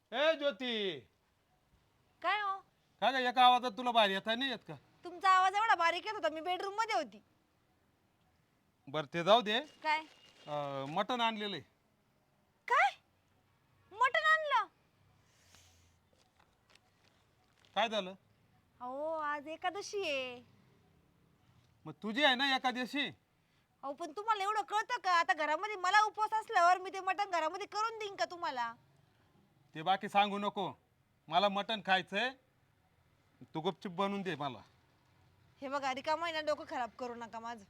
ए ज्योती, काय हो? काय का एका आवाजात तुला बाहेर येता नाही येत का? तुमचा आवाज एवढा बारीक येत होता, मी बेडरूम मध्ये होती. बर ते जाऊ दे. काय मटण आणलेलं आहे. काय मटण आणलं? काय झालं? अहो आज एकादशी आहे. मग तुझी आहे ना एकादशी? अहो पण तुम्हाला एवढं कळतं का? आता घरामध्ये मला उपवास असल्यावर मी ते मटण घरामध्ये करून देईन का तुम्हाला? ते बाकी सांगू नको. मला मटण खायचंय, तू गुपचूप बनवून दे मला. हे बघा, रिकामा आहे ना, डोकं खराब करू नका माझं.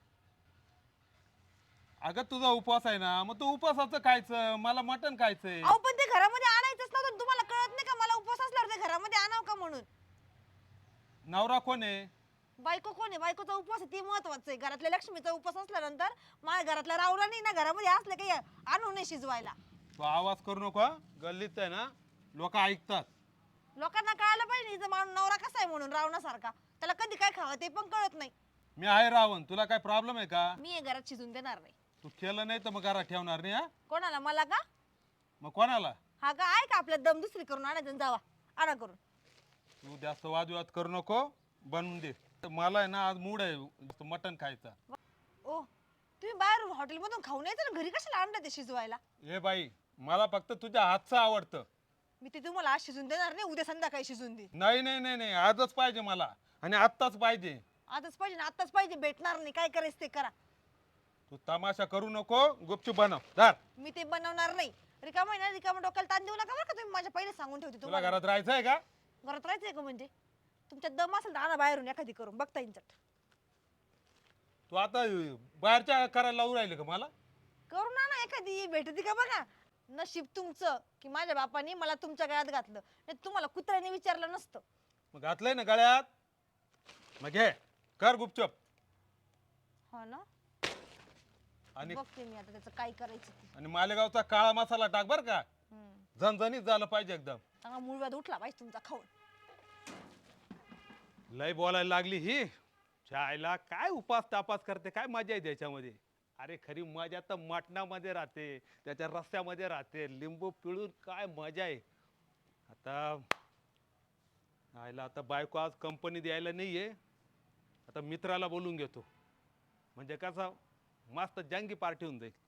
अगं तुझा उपवास आहे ना, मग तू उपवासाचं खायचं, मला मटण खायचंय. अहो पण ते घरामध्ये आणायचंच नव्हतं, तुम्हाला कळत नाही का मला उपवास असल्यावर ते घरामध्ये आणावं का म्हणून? नवरा कोण आहे? बायको कोण आहे? बायकोचा उपवास आहे ते महत्वाचं आहे. घरातल्या लक्ष्मीचा उपवास असल्यानंतर माझ्या घरातला रावला नाही ना, घरामध्ये असले काही आणू नये शिजवायला. तू आवाज करू नको हं? गल्लीत आहे ना, लोक ऐकतात. लोकांना कळायला पाहिजे हिचा माणूस नवरा कसा आहे म्हणून, रावणासारखा. त्याला कधी काय खावं ते पण कळत नाही. मी आहे रावण, तुला काय प्रॉब्लेम आहे का? मी हे घरात शिजून देणार नाही. तू केलं नाही तर मग घरात ठेवणार नाही. हा कोणाला? मला का? मग कोणाला? हा का? आहे का आपल्या दम दुसरी करून आणायचं आणि जावा आणा करून. तू जास्त वादविवाद करू नको, बनवून दे. तर मला आहे ना आज मूड आहे मटण खायचा. ओ तुम्ही बाहेर हॉटेलमधून खाऊन यायचं ना, घरी कशाला आणलं ते शिजवायला? ए बाई, मला फक्त तुझ्या हातचं आवडतं. मी ते तुम्हाला आज शिजून देणार नाही, उद्या संध्याकाळी शिजून दे. नाही नाही नाही नाही, आजच पाहिजे मला, आणि आत्ताच पाहिजे. आजच पाहिजे ना, आत्ताच पाहिजे. भेटणार नाही, काय करायचं ते करा. तू तमाशा करू नको, गुपचूप बनव. धर. मी ते बनवणार नाही. रिकामा आहे ना, रिकामा डोक्याला ताण देऊ नका बरं का तुम्ही. माझ्या पहिले सांगून ठेवते तुला तुम्हाला. घरात राहायचंय का? घरात राहायचंय का म्हणजे? तुमच्यात दम असेल तर आणा बाहेरून एखादी करून, बघता येईल चट. तू आता बाहेरच्या करायला लावून राहिले का मला? करून आणा एखादी, भेटती का बघा. नशीब तुमचं की माझ्या बापाने मला तुमच्या गळ्यात घातलं, नाही तुम्हाला कुत्र्याने विचारलं नसतं. मग घातलंय ना गळ्यात, मग घे, कर गुपचूप. हा ना, आणि बघते मी आता त्याचं काय करायचं ते. आणि मालेगावचा काळा मसाला टाक बर का, हम्म. झणझणीत झालं पाहिजे एकदम. चांगला मूळव्याध उठला पाहिजे तुमचा खाऊन. लय बोलायला लागली ही. चायला काय उपास तापास करते, काय मजा आहे त्याच्यामध्ये. अरे खरी मजा तर मटणामध्ये राहते, त्याच्या रस्त्यामध्ये राहते, लिंबू पिळून काय मजा आहे. आता आयला आता बायको आज कंपनी द्यायला नाहीये, आता मित्राला बोलून घेतो, म्हणजे कसा मस्त जंगी पार्टी होऊन जाईल.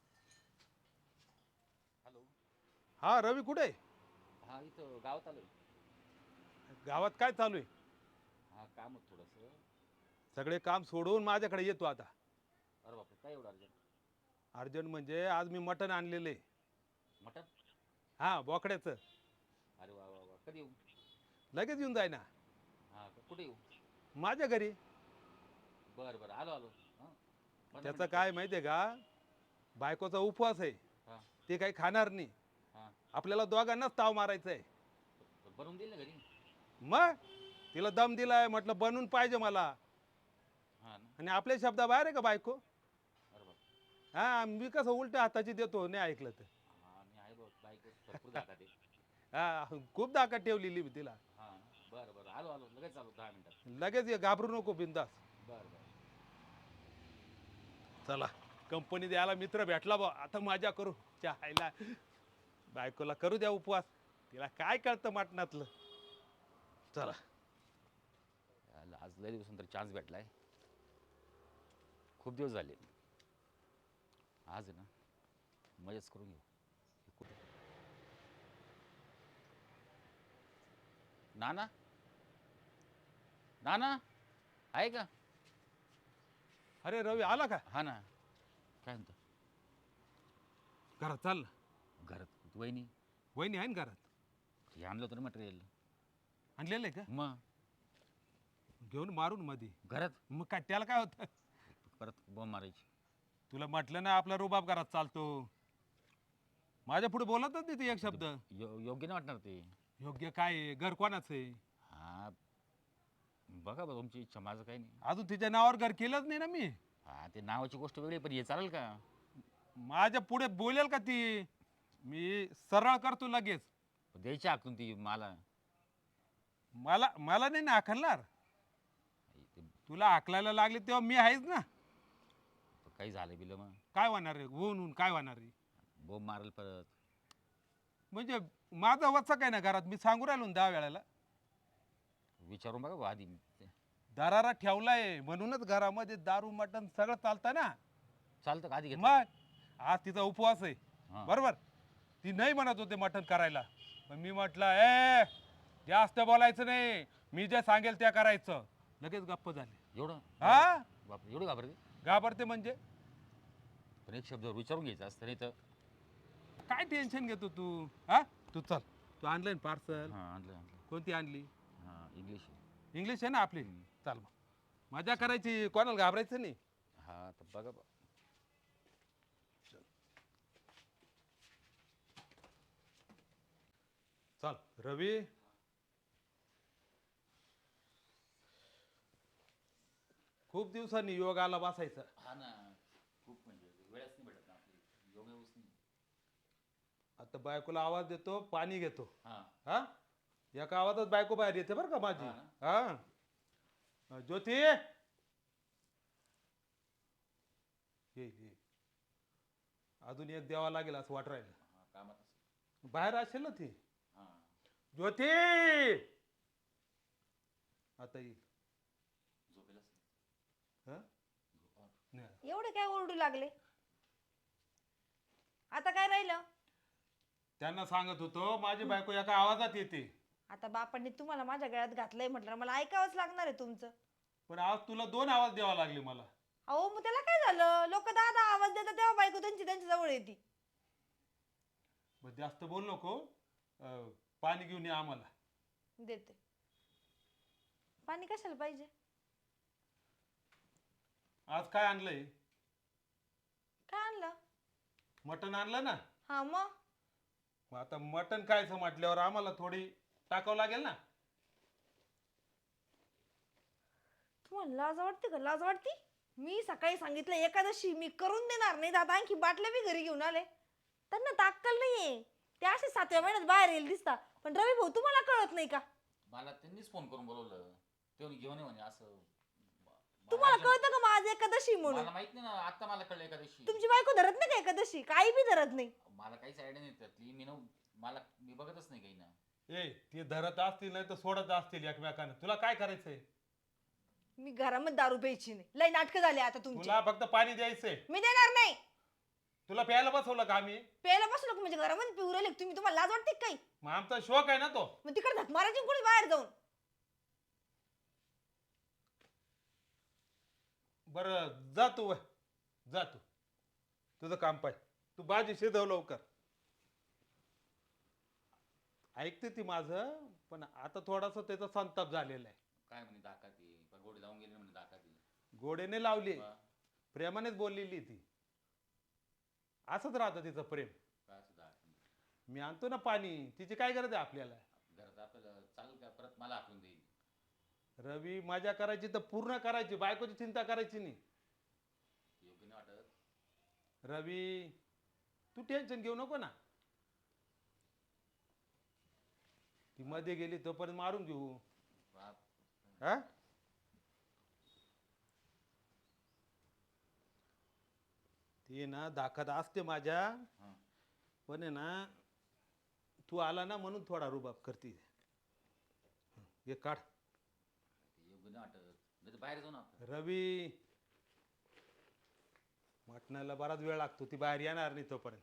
हॅलो. हा रवी कुठे आहे? हा इथं गावात आलोय. गावात काय चालू आहे? हा काम होतं थोडंसं. सगळे काम सोडून माझ्याकडे येतो आता. अरे बापरे, काय एवढं अर्जंट? अर्जंट म्हणजे आज मी मटण आणलेलं आहे. मटण? हा बोकड्याचं. अरे वा वा वा, कधी येऊ? लगेच येऊन जाय ना हा कुठे येऊ? माझ्या घरी. बरं बरं, आलो आलो. हां. त्याचं काय माहितीये का, बायकोचा उपवास आहे, हां ते काही खाणार नाही. हां. आपल्याला दोघांनाच ताव मारायचा आहे. बनवून देईल ना घरी? मग तिला दम दिलाय, म्हटलं बनवून पाहिजे मला. हां ना. आणि आपल्या शब्दाबाहेर आहे का बायको? अरे बापरे. हा, मी कसं उलट्या हाताची देतो नाही ऐकलं तर. हां मी आहे बघ, बाईक भरपूर जागा ते. हा, खूप दाखत ठेवलेली मी तिला. हां ना. बरं बरं, आलो आलो, लगेच आलो 10 मिनिटात. लगेच ये, घाबरू नको, बिंदास. बरं बरं. चला, कंपनी द्यायला मित्र भेटला बा, आता मजा करू. चायला बायकोला करू द्या उपवास, तिला काय कळतं मटणातलं. चला. आज लय दिवसानंतर चान्स भेटलाय, खूप दिवस झाले. आज आहे ना, मजाच करून घेऊ. नाना, नाना आहे का? अरे रवी आला का? हा ना. काय म्हणतो? घरात चाल. घरात वहिनी? वहिनी आहे ना घरात? हे आणलं होतं ना मटेरियल. आणलेलं आहे का? मग घेऊन मारून मध्ये. घरात मग काय त्याला काय होतं? परत बॉम्ब मारायची. तुला म्हटलं ना आपला रुबाब घरात चालतो. माझ्या पुढे बोलतच नाही ती एक शब्द. योग्य नाही वाटणार ते. योग्य काय आहे? घर कोणाचं आहे? हा बघा बघा, तुमची इच्छा, माझं काही नाही. अजून तिच्या नावावर घर केलंच नाही ना मी. हा ते नावाची गोष्ट वेगळी, पण हे चालेल का? माझ्या पुढे बोलेल का ती? मी सरळ करतो लगेच. द्यायची हाकून ती मला. मला मला नाही ना हाकलणार. ते तुला हाकलायला लागले तेव्हा मी आहेच ना. काही झालं बिलं मग काय होणार आहे? होऊन काय होणार आहे? बॉम्ब मारेल परत. म्हणजे माझा वचक काय ना घरात, मी सांगू राहिलो ना 10 वेळाला. विचारून बघा बुवा आधी. दरारा ठेवलाय म्हणूनच घरामध्ये दारू मटण सगळं चालतं ना. चालतं का आधी घेतलं? मग आज तिचा उपवास आहे हा. बरोबर. ती नाही म्हणत होते मटण करायला, पण मी म्हटलं ए जास्त बोलायचं नाही, मी जे सांगेल त्या करायचं. लगेच गप्प झाले. एवढं? हा बापरे, एवढं घाबरते? घाबरते म्हणजे पण एक शब्द विचारून घ्यायचं असतं, नाही तर. काय टेन्शन घेतो तू? हा तू चल, तू आणलं पार्सल? हां, आणलं आणलं. कोणती आणली? हां, इंग्लिश. इंग्लिश आहे ना आपली. चाल मग मजा करायची, कोणाला घाबरायचं नाही. हा तर बघा बा. चल रवी, खूप दिवसांनी योगाला बसायचं. हा ना, खूप म्हणजे वेळच नाही भेटत ना आपली, योग येऊच नाही. आता बायकोला आवाज देतो, पाणी घेतो. हां. हा एका आवाजात बायको बाहेर येते बरं का माझी. हा हा ज्योती ये ये. अजून एक द्यावा लागेल असं वाट राहिलं. हां, कामात असेल. बाहेर असेल ना ती. हां. ज्योती आता येईल. झोपेल असेल. हा झोपा. नाही. एवढे काय ओरडू लागले? आता काय राहिलं? त्यांना सांगत होतो माझी बायको एका आवाजात येते. आता बापांनी तुम्हाला माझ्या गळ्यात घातलंय म्हटलं मला ऐकावंच लागणार आहे तुमचं. पण आज तुला 2 आवाज द्यावा लागले मला. अहो मग त्याला काय झालं? लोक दादा आवाज देतात तेव्हा बायको त्यांची त्यांच्या जवळ येते. मग जास्त बोल नको. पाणी घेऊन ये आम्हाला. देते. पाणी कशाला पाहिजे? आज काय आणलंय? काय आणलं? मटण आणलं ना. हा मग मग आता मटण खायचं म्हटल्यावर आम्हाला थोडी टाकावं लागेल ना. तुम्हाला लाज वाटते का? लाज वाटते? मी सकाळी सांगितलं एकादशी मी करून देणार नाही, दादा आणखी बाटल्या बी घरी घेऊन आले. त्यांना ताक्कल नाहीये, ते असे 7व्या महिन्यात बाहेर येईल दिसता. पण रवी भाऊ तुम्हाला कळत नाही का? मला त्यांनीच फोन करून बोलवलं, ते घेऊन ये म्हणे असं. तुम्हाला कळतं का माझं एकादशी म्हणून? मला माहित नाही ना, आता मला कळलं एकादशी. तुमची बायको धरत नाही का एकादशी? काही बी धरत नाही. मला काहीच आयडिया नाही त्यातली. मी बघतच नाही काही ना. ए ते धरत असतील नाही तर सोडत असतील एकमेकांना. तुला काय करायचंय? मी घरामध्ये दारू प्यायची नाही. लय नाटकं झाले आता तुमची. तुला फक्त पाणी द्यायचंय. मी देणार नाही. तुला प्यायला बसवलं का आम्ही? प्यायला बसलो का म्हणजे घरामध्ये पिऊ राहिले तुम्ही? तुम्हाला लाज वाटते का काही? मग आमचा शौक आहे ना तो. मग तिकडे धक मारायची कोणी बाहेर जाऊन. बरं जा तू वय. जा तू, तुझं काम पाय. तू भाजी शिजव लवकर. ऐकते ती माझं, पण आता थोडासा त्याचा संताप झालेला आहे. काय म्हणे दाखाती गोडी लावून गेली म्हणे दाखाती. गोडेने लावली, प्रेमानेच बोललेली ती. असंच राहतं तिचं प्रेम. काय असं दाखवून मी आणतो ना पाणी, तिची काय गरज आहे आपल्याला? घरात आपल्याला चालेल का? परत मला आठवून देईल. रवी मजा करायची तर पूर्ण करायची, बायकोची चिंता करायची नाही. योग्य नाही वाटत. रवी तू टेन्शन घेऊ नको ना. ती मध्ये गेली तोपर्यंत मारून घेऊ. बाप. हा ती ना दाखत असते माझ्या, हां. पण आहे ना तू आला ना म्हणून थोडा रुबाब करते. हे काढ. योग्य नाही वाटत. नाही तर बाहेर जाऊ ना आपण. रवी मटणाला बराच वेळ लागतो, ती बाहेर येणार नाही तोपर्यंत.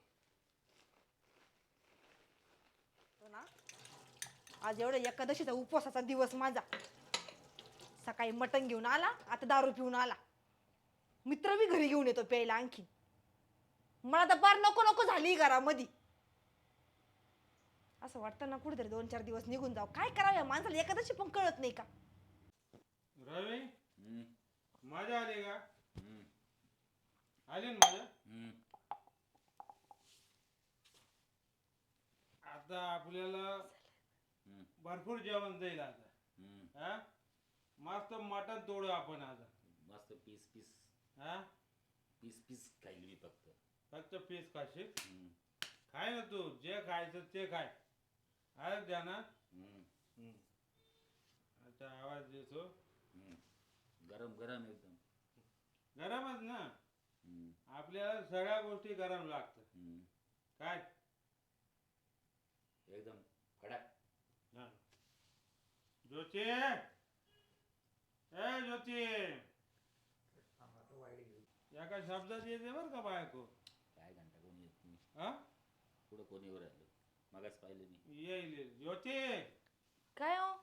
हो ना? आज एवढा एकादशीचा उपवासाचा दिवस माझा. सकाळी मटण घेऊन आला, आता दारू पिऊन आला. मित्र बी घरी घेऊन येतो प्यायला आणखी. मला तर पार नको नको झाली घरामध्ये. असं वाटतं ना कुठेतरी 2-4 दिवस निघून जाऊ. काय करावं या माणसाला? एकादशी पण कळत नाही का? रवी हम्म. मजा आली का? हम्म. आली ना मजा. हम्म. आता आपल्याला हम्म. भरपूर जेवण जाईल आता. हम्म. हा मस्त मटण तोडू आपण आज. मस्त पीस पीस हा पीस पीस खाईल मी फक्त. फक्त पीस खाशील. हम्म. खाय ना तू, जे खायचं ते खाय. ऐक द्या ना. हम्म. आता आवाज देतो. हम्म. गरम गरम एकदम. गरमच ना. हम्म. आपल्याला सगळ्या गोष्टी गरम लागतात. हम्म. काय एकदम कडा. हा. ज्योती ए ज्योती एका शब्दात येते बर का बायको. काय घंटा कोणी येत नाही. हा पुढं कोणी वर आलं मगाच पाहिलं मी. येईल येईल. ज्योती काय हो?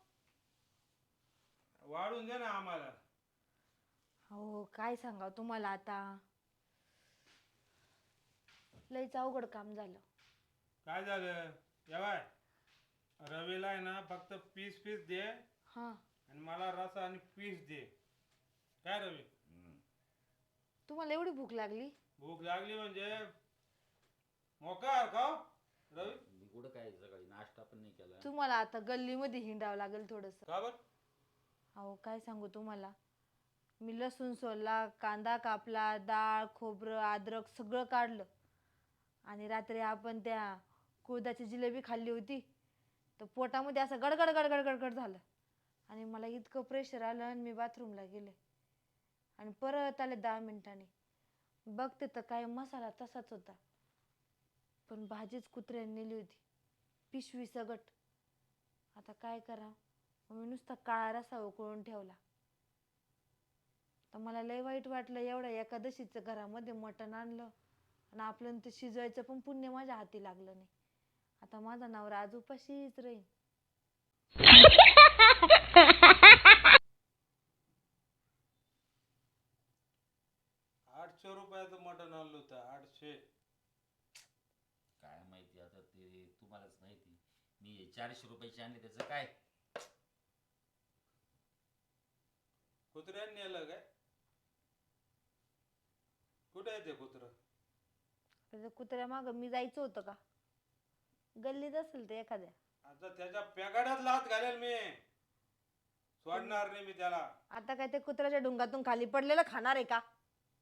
वाढून दे ना आम्हाला. हो काय सांगा तुम्हाला आता, लईच अवघड काम झालं. काय झालं जेवाय रवीला आहे ना फक्त पीस पीस दे हा आणि मला रसा आणि पीस दे. काय रवी तुम्हाला एवढी भूक लागली? भूक लागली म्हणजे मोकार का हो? रवी मी कुठं काय सकाळी नाश्ता पण नाही केला. तुम्हाला आता गल्लीमध्ये हिंडावं लागेल थोडस. का बर अहो काय सांगू तुम्हाला, मी लसूण सोलला, कांदा कापला, डाळ खोबरं अद्रक सगळं काढलं आणि रात्री आपण त्या कुळदाची जिलेबी खाल्ली होती तर पोटामध्ये असं गडगड गडगड गडगड झालं आणि मला इतकं प्रेशर आलं आणि मी बाथरूमला गेले आणि परत आले 10 मिनिटांनी. बघते तर काय मसाला तसाच होता, पण भाजीच कुत्र्याने नेली होती, पिशवी सगट. आता काय करा, मी नुसता काळा रस्सा उकळून ठेवला. तर मला लय वाईट वाटलं, एवढ्या एकादशीचं घरामध्ये मटण आणलं आणि आपलं ते शिजवायचं पण पुण्य माझ्या हाती लागलं नाही. आता माझा नवरा आज उपाशीच राहील. 800 रुपयाचं मटण आणलं होतं. 800. काय माहिती आता ते तुम्हालाच माहिती. मी 400 रुपयाचे आणले त्याचं काय. कुत्र्याने नेलं काय? कुठे आहे ते कुत्र? त्याच्या कुत्र्या माग मी जायचं होतं का? गल्लीत असेल ते एखाद्या. आता त्याच्या पेगाड्यात लात घालेल मी. सोडणार नाही मी त्याला. आता काय ते कुत्र्याच्या डुंगातून खाली पडलेलं खाणार आहे का?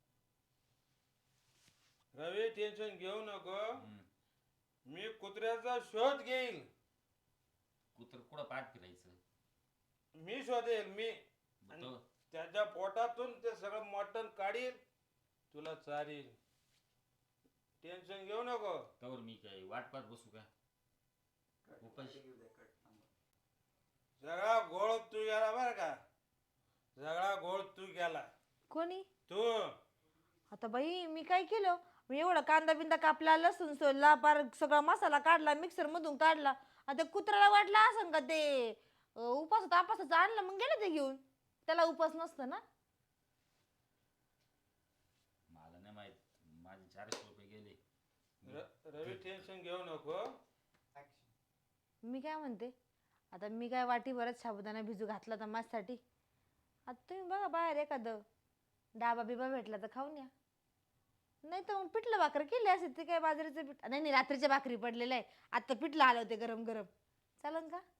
रवी टेन्शन घेऊ नको. मी कुत्र्याचा शोध घेईल. कुत्र कुठं पाठ फिरायचं. मी शोधेल मी. मग तो त्याच्या पोटातून ते सगळं मटण काढील, तुला चारील. टेन्शन घेऊ नको. तवर मी काय वाट पाहत बसू का? उपाशी. सगळा गोळ तू गेला बर का. सगळा गोळ तू गेला. कोणी? तू. आता बाई मी काय केलं? मी एवढा कांदा बिंदा कापला, लसूण सोलला, पार सगळा मसाला काढला, मिक्सर मधून काढला. आता कुत्र्याला वाटलं असं का ते उपास तापासाचं आणलं, मग गेलं ते घेऊन. त्याला उपास नसतं ना. मला नाही माहित. माझे 400 रुपये गेले. रवी टेन्शन घेऊ नको. मी काय म्हणते, आता मी काय वाटीभरच साबुदाणा भिजू घातला तर माझ्यासाठी. आता तुम्ही बघा बाहेर एखादं डाबा बिबा भेटला तर खाऊन या. नाही तर मग पिठलं भाकर केली असेल ते काय बाजरीचं पीठ. नाही नाही रात्रीच्या भाकरी पडलेलं आहे. आता पिठलं आलं होते गरम गरम. चालन का?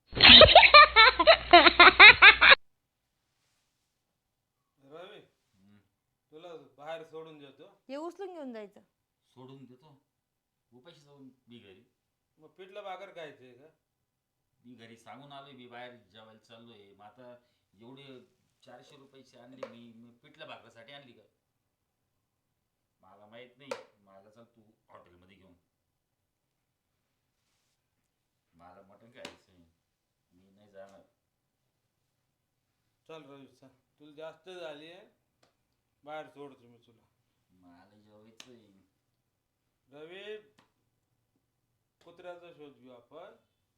रवी तुला बाहेर सोडून देतो. हे उचलून घेऊन जायचं. सोडून देतो. उपाशी जाऊन मी घरी. मग पिठलं भाकर खायचंय का? मी घरी सांगून आलोय मी बाहेर जेवायला चाललोय. मग आता एवढे 400 रुपयाचे आणले मी पिठलं भाकरीसाठी आणली का? मला माहित नाही. मला चल तू हॉटेलमध्ये घेऊन. मला मटण खायचं मी नाही जाणार. चल रवी चल. तुला जास्त झाली आहे, बाहेर सोडतो मी तुला. मला जेवायचंय. रवी कुत्र्याचा शोध घेऊ आपण.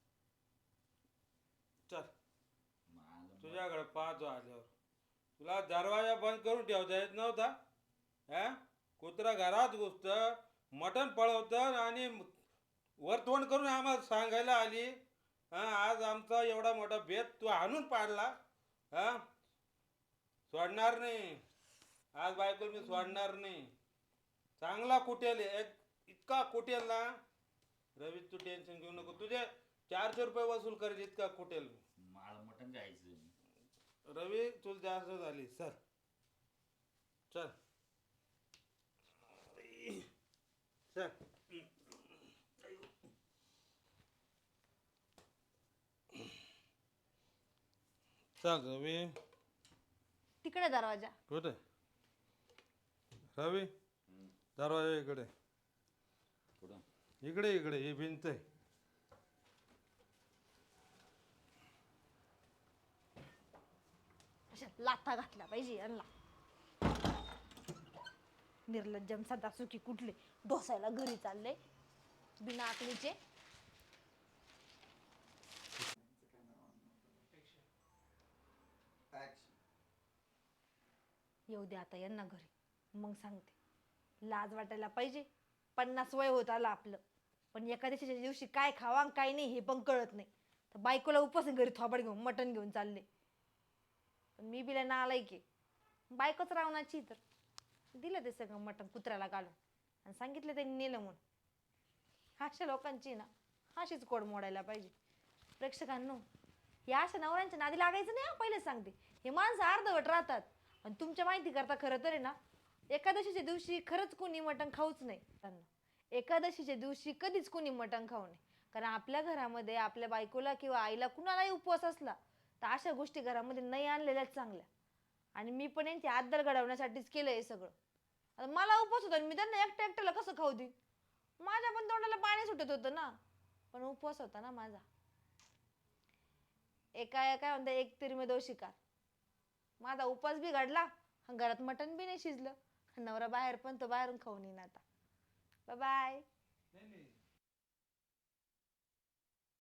चल मला तुझ्याकडे पाहतो आल्यावर. तुला दरवाजा बंद करून ठेवता येत नव्हता. हा कुत्रा घरात घुसत, मटण पळवत आणि वर तोंड करून आम्हाला सांगायला आली. आज आमचा एवढा मोठा भेद तू आणून पाडला. हा सोडणार नाही. आज बायको मी सोडणार नाही. चांगला कुटेल इतका कुटेल ना. रवी तू टेन्शन घेऊ नको. तुझे 400 रुपये वसूल करेल इतका कुटेल. मला मटण खायचं. रवी तुला जास्त झाली. चल चल चल. चल रवी. तिकडे दरवाजा. कुठे रवी? दरवाजा इकडे. कुठं? इकडे इकडे ही भिंत आहे. लाथा घातल्या पाहिजे यांना. निर्लज्जम सदा सुखी कुठले ढोसायला घरी चालले बिना आकलीचे. येऊ दे आता यांना घरी, मग सांगते. लाज वाटायला पाहिजे. 50 वय होत आलं आपलं, पण एकादशीच्या दिवशी काय खावा आणि काय नाही हे पण कळत नाही. तर बायकोला उपास घरी थोबाड घेऊन मटण घेऊन चालले. पण मी बिला नालाय की बायकोच रावणाची, तर दिलं ते सगळं मटण कुत्र्याला घालून आणि सांगितलं त्यांनी नेलं म्हणून. अशा लोकांची ना अशीच कोड मोडायला पाहिजे. प्रेक्षकांनो, या अशा नवऱ्यांच्या नादी लागायचं नाही. पहिले सांगते, हे माणसं अर्धवट राहतात. आणि तुमच्या माहिती करता खरं तर आहे ना, एकादशीच्या दिवशी खरंच कोणी मटण खाऊच नाही. एकादशीच्या दिवशी कधीच कोणी मटण खाऊ नये. कारण आपल्या घरामध्ये आपल्या बायकोला किंवा आईला कुणालाही उपवास असला तर अशा गोष्टी घरामध्ये नाही आणलेल्याच चांगल्या. आणि मी पण यांची आदर घडवण्यासाठीच केलं हे सगळं. आता मला उपवास होता, मी त्यांना एकट्या एकट्याला कसं खाऊ देईन? माझ्या पण तोंडाला पाणी सुटत होतं ना, पण उपवास होता ना माझा. काय म्हणता, एक तीर में दो शिकार. माझा उपवास बी घडला, घरात मटण बी नाही शिजलं. नवरा बाहेर पण तो बाहेरून खाऊन येईन आता. Bye bye. नाही नाही